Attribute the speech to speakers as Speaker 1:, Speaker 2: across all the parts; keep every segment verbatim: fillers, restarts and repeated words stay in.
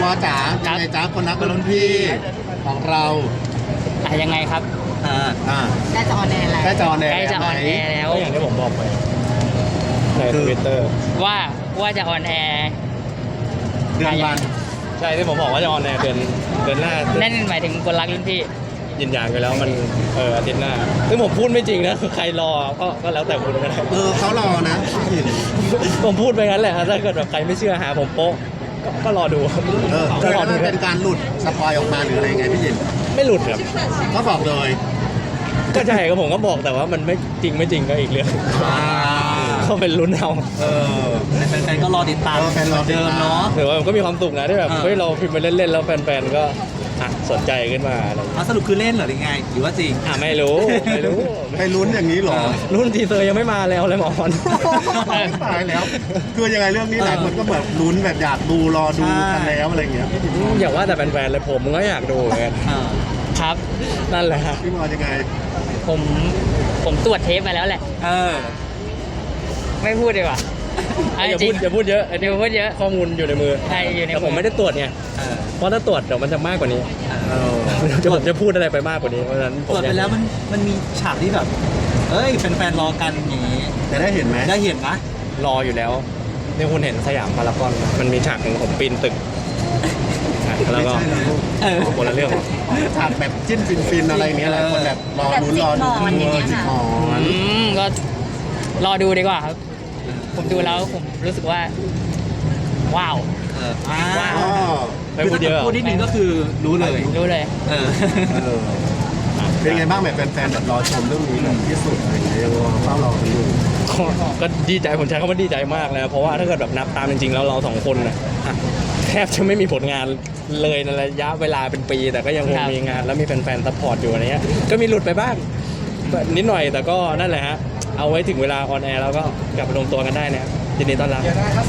Speaker 1: อจ๋ายังไงจ๋าคนรักรุ่นพี่ของเรา
Speaker 2: อ่ะยังไงครับ
Speaker 1: อ่าอ่า
Speaker 3: ใกล้จะออนแอร์แล้ว
Speaker 1: ใกล้จะออนแอร์
Speaker 2: ใกล้จะออนแอร์แล้ว
Speaker 4: ก็อย่างที่ผมบอกไปในทวิตเตอร์
Speaker 2: ว่าว่าจะออนแอร์
Speaker 1: เดือนวัน
Speaker 4: ใช่ที่ผมบอกว่าจะออนแอร์เดือนเดือนหน้า
Speaker 2: นั่นหมายถึงคนรักรุ่นพี่
Speaker 4: ยินยานไปแล้วมันเอออาทิตย์หน้าซึ่งผมพูดไม่จริงนะคือใครรอก็ก็แล้วแต่คุณก็ได้
Speaker 1: เออเขารอนะพี่หยิน
Speaker 4: ผมพูดไปงั้นแหละถ้าเกิดแบบใครไม่เชื่อหาผมโป๊ะก็ก็รอดู
Speaker 1: เออ
Speaker 4: ก็
Speaker 1: คือ
Speaker 4: รอ
Speaker 1: มั
Speaker 4: ดู
Speaker 1: นเป็นการหลุดสปอยออกมาหรืออะไรไงพี่หยิน
Speaker 4: ไม่หลุดครับ
Speaker 1: เขาบอกเลย
Speaker 4: ก็ใช่ก็ผมก็บอกแต่ว่ามันไม่จริงไม่จริงก็อีกเรื่อง
Speaker 1: อ่า
Speaker 4: ก็เป็นลุ้นเอา
Speaker 1: เออ
Speaker 3: แฟนๆก็รอติดตาม
Speaker 1: เออแฟนรอติดตาม
Speaker 3: เดิมเนาะ
Speaker 4: ถือว่ามันก็มีความสุขนะที่แบบ
Speaker 3: อ่า
Speaker 4: เฮ้ยเราพิมพ์ไปเล่นๆแล้วแฟนๆก็อ่ะสนใจขึ้นมาอะไรอย่างเงี้ย
Speaker 3: เอาสรุปคือเล่นเหรอหรือไงหรือว่าจริง
Speaker 4: อ่ะไม่รู้ไม่รู้
Speaker 1: ไปลุ้นอย่างนี้เหรอ
Speaker 4: รุ่นทีเซอร์ยังไม่มาแล้วเลยหมออน
Speaker 1: ตายแล้ว คือยังไงเรื่องนี้หลายคนก็แบบลุ้นแบบอยากดูรอดูกันแล้วอะไรอย่างเงี้ยพี่หยิน
Speaker 4: อย่าว่าแต่แฟนๆเลยผมก็อยากดูเหมือนกัน
Speaker 3: อ่า
Speaker 2: ครับ
Speaker 4: นั่นแหละฮะ
Speaker 1: พี่มอยังไง
Speaker 2: ผมผมตรวจเทปมาแล้วแหละ
Speaker 3: เออ
Speaker 2: ไม่พูดดีกว่าเอา
Speaker 4: อย่า
Speaker 2: จริ
Speaker 4: พู
Speaker 2: ง
Speaker 4: ดอย่าพูดเยอะ
Speaker 2: เดี๋ยวพูดเยอะ
Speaker 4: ข้อมูลอยู่ในมือ
Speaker 2: ใช่อยู่ใน
Speaker 4: แต่ผมไม่ได้ตรวจไง
Speaker 3: เออ
Speaker 4: เพราะถ้าตรวจเดี๋ยวมันจะมากกว่านี้
Speaker 1: เออ
Speaker 4: จะผมจะพูดอะไรไปมากกว่านี้เพราะฉะนั้นผ
Speaker 3: ตรวจ
Speaker 4: มอยา
Speaker 3: ไป
Speaker 4: ก
Speaker 3: แล้วมันมันมีฉากที่แบบ เอ้ยแฟนๆรอกันอย่างนี้
Speaker 1: จะได้เห็นไหม
Speaker 3: ได้เห็นนะ
Speaker 4: รออยู่แล้วนี่คุณเห็นสยามพารากอนไหมมันมีฉากหนึ่งผมปีนตึกอ่ะแล้วก็
Speaker 1: ไม่ใช่นะลูก
Speaker 3: เออ
Speaker 4: คนละเรื่อง
Speaker 1: ฉากแบบจิ้นฟินๆอะไรเนี้ยหลายคนแบบรอลุ้นรอดู
Speaker 5: แบบจิกหมอนอย่างเงี้ย
Speaker 1: จิก
Speaker 5: ค่ะ
Speaker 1: หมอน
Speaker 2: อืมก็รอดูดีกว่าครับ ผมดูแล้วผมรู้สึกว่า ว้าว
Speaker 3: เอออ่า
Speaker 2: ว้าว
Speaker 1: อ๋อ
Speaker 4: ไม่พูดเยอะ
Speaker 3: พูดนิดนึงก็คือรู้เลย
Speaker 2: รู้เลย
Speaker 3: เออ
Speaker 1: เออเป็นไงบ้างแบบแฟนๆแบบรอชมเรื่องนี้แบบที่สุดอะไรเงี้ยยังรอเฝ้ารอกันอยู่
Speaker 4: ก็ก็ดีใจผมใช้คำว่าดีใจมากเลยนะเพราะว่าถ้าเกิดแบบนับตามจริงๆแล้วเราสองคนนะอ่ะแทบจะไม่มีผลงานเลยในระยะเวลาเป็นปี แต่ก็ยังคง
Speaker 2: ครับ
Speaker 4: มีงานแล้วมีแฟนๆซัพพอร์ตอยู่อะไรเงี้ยก็มีหลุดไปบ้างนิดหน่อยแต่ก็นั่นแหละฮะเอาไว้ถึงเวลาออนแอร์แล้วก็กลับไปรวมตัวกันได้นะครับยินดีต้อนรับ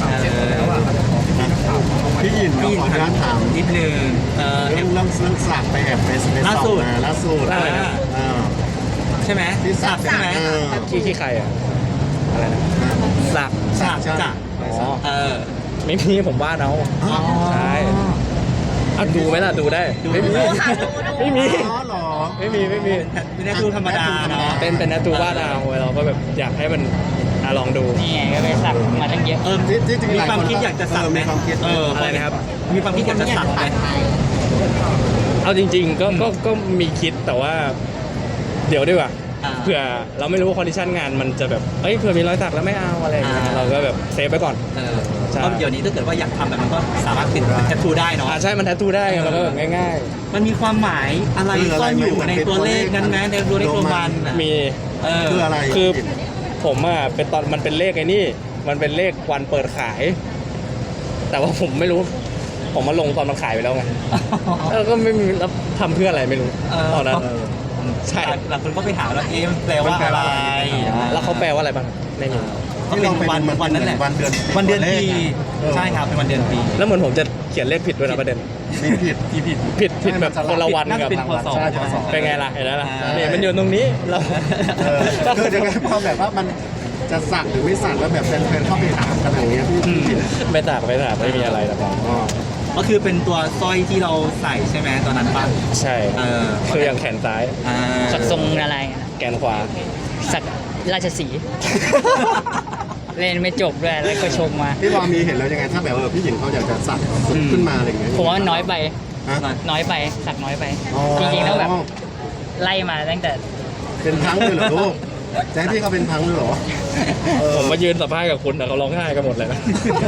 Speaker 1: พี่ยินก็ขออนุญาตถาม
Speaker 3: นิดนึงเออ
Speaker 1: เรื่องเรื่องเรื่องสักไปแอบไปไป
Speaker 3: ล่า
Speaker 1: ส่
Speaker 3: สุ
Speaker 1: อง
Speaker 3: ด
Speaker 1: มาล่าสุด
Speaker 4: อะไรนะ
Speaker 1: อ่า
Speaker 3: ใช่ไหม
Speaker 1: ที่สัก
Speaker 3: ใช่ไหม
Speaker 1: เออ
Speaker 4: ขี้ขี้ใครอ่ะอะไรนะสัก
Speaker 3: สัก
Speaker 1: ใช่
Speaker 3: จ้ะ
Speaker 4: อ๋อ
Speaker 3: เออ
Speaker 4: ไม่มีผมวาดเอา
Speaker 3: อ๋อ
Speaker 4: ใช่อ่ะดูไหมล่ะดูได้ไม่มีไม่มี
Speaker 1: อ๋อเหรอ
Speaker 4: ไม่มีไม่มี
Speaker 3: ไม่ได้ดูธรรมดาเนาะ
Speaker 4: เป็นเป็นนัตูวาดเอาเราก็แบบอยากให้มันอ่ะลองดู
Speaker 2: นี่ไงก็ไปสักมาตั้งเยอะ
Speaker 3: เออ
Speaker 1: ที่ที่จริง
Speaker 3: มี
Speaker 1: หลาย
Speaker 3: ความ
Speaker 1: คน
Speaker 3: คิดอยากจะสัก
Speaker 1: เออ
Speaker 3: ไหม
Speaker 1: มีความคิด
Speaker 3: เออ
Speaker 4: อะไรนะครับ
Speaker 3: มีความคิดอยากจะสักไหม
Speaker 4: เอาจริง ๆ ก็ก็ก็มีคิดแต่ว่า เดี๋ยวดีกว่า
Speaker 3: อ่า
Speaker 4: เผื่อเราไม่รู้ว่าคอนดิชันงานมันจะแบบเอ้ยเผื่อมีรอยสักแล้วไม่เอาอะไรอย่างเงี้ย
Speaker 3: อ่า
Speaker 4: เราก็แบบเซฟไปก่อน
Speaker 3: เออ
Speaker 4: ใช่
Speaker 3: เพราะเดี๋ยวนี้ถ้าเกิดว่าอยากทำแบบมันก็สามารถติดแทททูได้เนาะ
Speaker 4: อ่าใช่มันแททูได้ไงมันก็แบบง่าย
Speaker 3: มันมีความหมายอะไรซ่อนอยู่ในตัวเลขนั้นไหมในตัวเลขโรมันอะ
Speaker 4: ๆ มี
Speaker 3: เออ
Speaker 1: คืออะไร
Speaker 4: คือผมอ่ะเป็นตอนมันเป็นเลขไอ้นี่ มันเป็นเลขวันเปิดขาย แต่ว่าผมไม่รู้ ผมมาลงตอนมันขายไปแล้วไงแล้วก็ไม่มีแล้วทำเพื่ออะไรไม่รู้
Speaker 3: เออ
Speaker 4: ตอนนั้น
Speaker 1: เออ
Speaker 4: ใช่
Speaker 3: หลายคนก็ไปหาแล้วเอ๊ะมันแปลว่าอะไร
Speaker 4: แล้วเขาแปลว่าอะไรบ้างไม่มี
Speaker 3: ก็เป็นวันวันนั้นแหละ
Speaker 1: วันเดือน
Speaker 3: วันเดือนปี
Speaker 1: เออ
Speaker 3: ใช่ครับเป็นวันเดือนปี
Speaker 4: แล้วเหมือนผมจะเขียนเลขผิดด้วยนะประเด็น
Speaker 1: มีผิด
Speaker 3: ที่ผิด
Speaker 4: ผิดผิดแบบคนละวัน
Speaker 3: น่า
Speaker 4: กั
Speaker 3: จะ
Speaker 4: บ
Speaker 3: เป็นพศ
Speaker 1: ใช่พศ
Speaker 4: เป็นไงล่ะเห็นแล้วล่ะ
Speaker 3: อ่า
Speaker 4: นี่มันอยู่ตรงนี้เรา
Speaker 1: เออคือยังไงพอแบบว่ามันจะสักหรือไม่สักแล้วแบบแฟนๆเข้าไปถามกันอย่างเงี้ยพี่พี่ผิด
Speaker 4: ไม่ตากไม่ตากไม่มีอะไรหรอก
Speaker 1: อ๋อ
Speaker 3: ก็คือเป็นตัวสร้อยที่เราใส่ใช่ไหมตอนนั้นป่ะ
Speaker 4: ใช่
Speaker 3: เออ
Speaker 4: คืออย่างแขนซ้าย
Speaker 3: อ่า
Speaker 2: สักทรงอะไรอะ
Speaker 4: แกนขวา
Speaker 2: สักราชสีห์ เล่นไม่จบด้วยแล้วก็ชมมา
Speaker 1: พี่บอมีเห็นแล้วยังไงถ้าแบบว่าเออพี่หญิงเขาอยากจะสักขึ้นมาอะไรอย่างเงี้ย
Speaker 2: ผมว่ามันน้อยไป
Speaker 1: ฮะ
Speaker 2: น้อยไป สักน้อยไป
Speaker 1: อ๋อ
Speaker 2: จริงๆแล้วแบบไล่มาตั้งแต่
Speaker 1: เป็นพังเลยเหรอลูกจะให้พี่เขาเป็นพังเลยเหรอเออ
Speaker 4: ผมมายืนสัมภาษณ์กับคุณแต่เขาร้องไห้กันหมดเลยนะ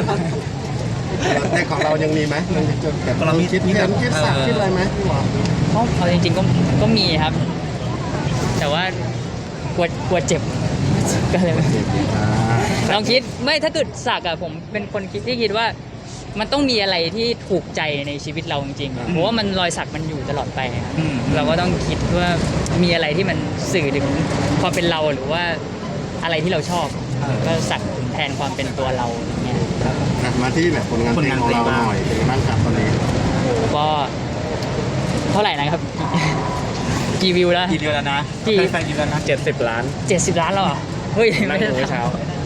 Speaker 1: แต่ของเรายังมีไหมยังจะแบบเราคิดเห็นคิดสักคิดอะไรไหมพี่หวอ
Speaker 2: ก็เอาจริงๆก็ก็มีครับ แต่ว่ากลัวกลัวเจ็บ ก็เลยไม่ลองคิดไม่ถ้าเกิดสักอะผมเป็นคนคิดที่คิดว่า มันต้องมีอะไรที่ถูกใจในชีวิตเราจริงๆเพราะว่ามันรอยสักมันอยู่ตลอดไปครับ
Speaker 3: อืม
Speaker 2: เราก็ต้องคิดว่ามีอะไรที่มันสื่อถึงความเป็นเราหรือว่าอะไรที่เราชอบ ก็สักแทนความเป็นตัวเราอย่างเงี้ยครับ
Speaker 1: อ่ะมาที่แบบผลงานเพลงของเราหน่อยเป็นไงบ้างครับตอนนี้
Speaker 2: ก็เท่าไหร่นะครับ กี่กี่วิวแล้ว
Speaker 3: กี่เดือนแล้วนะ
Speaker 2: กี่
Speaker 3: แฟนๆกี่เดือนนะ
Speaker 4: เจ็ดสิบล้าน
Speaker 2: เจ็ดสิบล้านแล้วเหรอเฮ้ย
Speaker 4: นั่ง
Speaker 2: ไม่
Speaker 4: ดู
Speaker 2: ได้
Speaker 4: เมื่อเช้า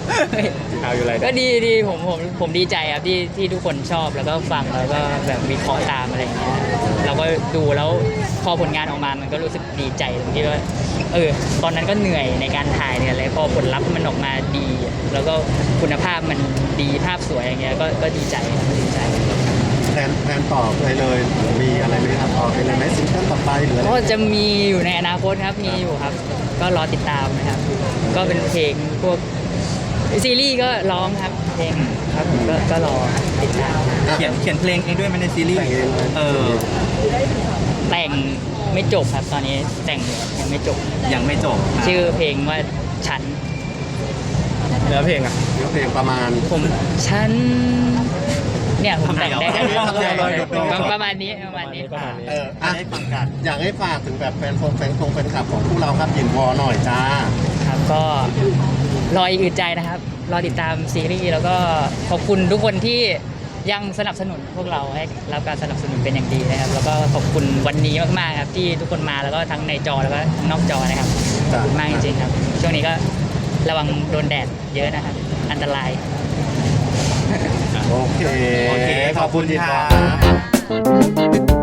Speaker 4: ข่าวอยู่อะไร
Speaker 2: ก็ดีดีผมผมผมดีใจครับที่ที่ทุกคนชอบแล้วก็ฟังแล้วก็แบบวิเคราะห์ตามอะไรอย่างเงี้ยเราก็ดูแล้วพอผลงานออกมามันก็รู้สึกดีใจตรงที่ว่าเออตอนนั้นก็เหนื่อยในการถ่ายเนี่ยอะไรพอผลลัพธ์มันออกมาดี แล้วก็คุณภาพมันดีภาพสวยอย่างเงี้ยก็ก็ดีใจครับดีใจ
Speaker 1: แพลนแพลนต่อไปเลยมีอะไรไหมครับต่อไปเลยไหมซิงเกิลต่อไปหรืออะไร
Speaker 2: ก็จะมีอยู่ในอนาคตครับมีอยู่ครับ ก็รอติดตามนะครับ ก็เป็นเพลงพวกซีรีส์ก็ร้องครับเพลงครับผมก็ก็รอติดตาม
Speaker 3: เขียนเขียนเพลงเองด้วยไหมันในซีรีส์
Speaker 1: แต่งเองเลย
Speaker 3: เออ
Speaker 2: แต่งไม่จบครับตอนนี้แต่งยังไม่จบ
Speaker 3: ยังไม่จบ
Speaker 2: ชื่อเพลงว่าฉัน
Speaker 4: เนื้อเพลงอ่ะ
Speaker 1: เนื้อเพลงประมาณ
Speaker 2: ผมฉันเนี่ยผมแต่งได้
Speaker 1: ทำไมเหรอทำไมเหรอหยุดหน่อย
Speaker 2: ประมาณนี้ประมาณนี้
Speaker 4: ประมาณนี้
Speaker 1: เอออ่ะอยากให้ฝากถึงแบบแฟนคงแฟนคงแฟนคลับของพวกเราครับยินวอหน่อยจ้า
Speaker 2: ครับก็รออีกอึดใจนะครับ รอติดตามซีรีส์แล้วก็ขอบคุณทุกคนที่ยังสนับสนุนพวกเราให้รับการสนับสนุนเป็นอย่างดีนะครับ แล้วก็ขอบคุณวันนี้มากๆครับที่ทุกคนมาแล้วก็ทั้งในจอแล้วก็ทั้งนอกจอนะครับขอบคุณมากจริงๆครับ ช่วงนี้ก็ระวังโดนแดดเยอะนะครับ อันตราย
Speaker 1: โอเค
Speaker 3: โอเค
Speaker 1: ขอบคุณยินวอ
Speaker 3: ค่ะ